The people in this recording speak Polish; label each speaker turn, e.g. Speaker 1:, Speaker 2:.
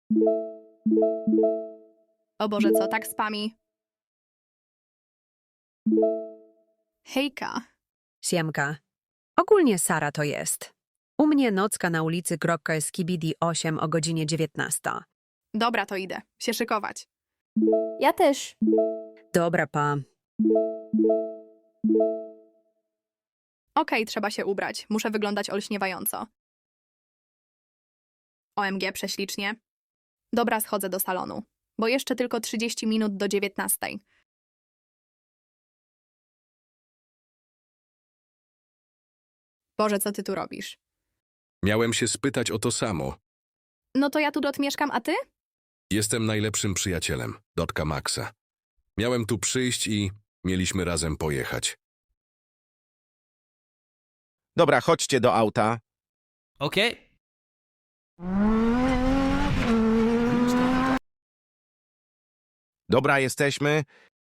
Speaker 1: O Boże, co tak spami? Hejka.
Speaker 2: Siemka. Ogólnie Sara to jest. U mnie nocka na ulicy Skibidi 8 o godzinie 19.
Speaker 1: Dobra, to idę. Się szykować.
Speaker 3: Ja też.
Speaker 2: Dobra, pa.
Speaker 1: Okej, trzeba się ubrać. Muszę wyglądać olśniewająco. OMG, prześlicznie. Dobra, schodzę do salonu. Bo jeszcze tylko 30 minut do 19. Boże, co ty tu robisz?
Speaker 4: Miałem się spytać o to samo.
Speaker 1: No to ja tu mieszkam, a ty?
Speaker 4: Jestem najlepszym przyjacielem, Dotka Maxa. Miałem tu przyjść i mieliśmy razem pojechać.
Speaker 5: Dobra, chodźcie do auta.
Speaker 6: Okej.
Speaker 5: Dobra, jesteśmy.